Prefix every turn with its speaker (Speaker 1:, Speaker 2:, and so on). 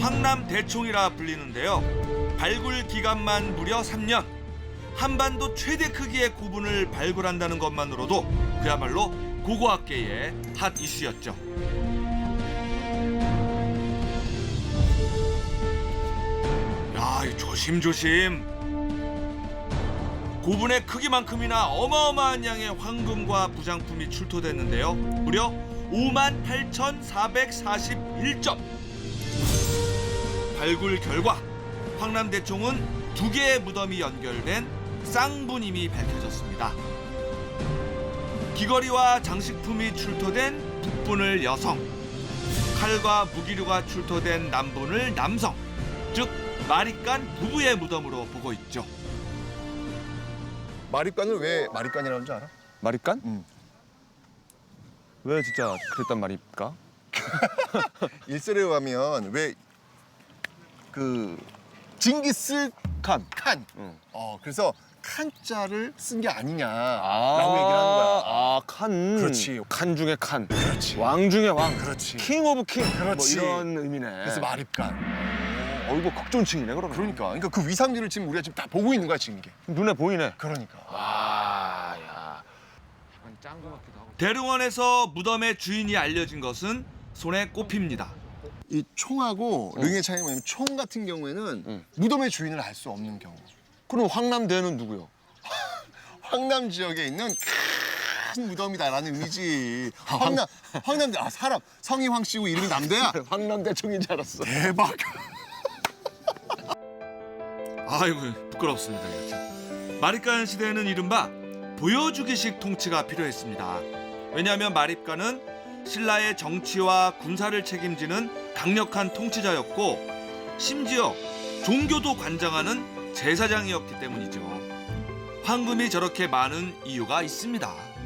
Speaker 1: 황남대총이라 불리는데요. 발굴 기간만 무려 3년. 한반도 최대 크기의 고분을 발굴한다는 것만으로도 그야말로 고고학계의 핫 이슈였죠. 야, 조심조심. 고분의 크기만큼이나 어마어마한 양의 황금과 부장품이 출토됐는데요. 무려 58,441점. 발굴 결과 황남대총은 2개의 무덤이 연결된 쌍분임이 밝혀졌습니다. 귀걸이와 장식품이 출토된 북분을 여성, 칼과 무기류가 출토된 남분을 남성, 즉 마립간 부부의 무덤으로 보고 있죠.
Speaker 2: 마립간을 왜 마립간이라는 줄 알아?
Speaker 3: 마립간?
Speaker 2: 응.
Speaker 3: 왜 진짜 그랬단 말입니까?
Speaker 2: 일설에 의하면 왜 그 징기스
Speaker 3: 칸.
Speaker 2: 칸. 그래서 칸자를 쓴 게 아니냐라고
Speaker 3: 아,
Speaker 2: 얘기를 하는 거야.
Speaker 3: 아, 칸.
Speaker 2: 그렇지.
Speaker 3: 칸 중에 칸.
Speaker 2: 그렇지.
Speaker 3: 왕 중에 왕.
Speaker 2: 그렇지.
Speaker 3: 킹 오브 킹.
Speaker 2: 그렇지.
Speaker 3: 뭐 이런 의미네.
Speaker 2: 그래서 마립간.
Speaker 3: 이거 극존칭이네 그러면.
Speaker 2: 그러니까 그 위상들을 지금 우리가 지금 다 보고 있는 거야 지금 이게.
Speaker 3: 눈에 보이네.
Speaker 2: 그러니까.
Speaker 3: 와, 야. 짱구 같기도 하고.
Speaker 1: 대릉원에서 무덤의 주인이 알려진 것은 손에 꼽힙니다.
Speaker 2: 이 총하고 릉의 차이가 뭐냐면 총 같은 경우에는 무덤의 주인을 알 수 없는 경우.
Speaker 3: 그럼 황남대는 누구요?
Speaker 2: 황남 지역에 있는 큰 무덤이다라는 의미지. 황남대 사람 성이 황 씨고 이름이 남대야.
Speaker 3: 황남대총인 줄 알았어.
Speaker 2: 대박.
Speaker 1: 아이고 부끄럽습니다. 이렇게. 마립간 시대에는 이른바 보여주기식 통치가 필요했습니다. 왜냐하면 마립간은 신라의 정치와 군사를 책임지는 강력한 통치자였고 심지어 종교도 관장하는 제사장이었기 때문이죠. 황금이 저렇게 많은 이유가 있습니다.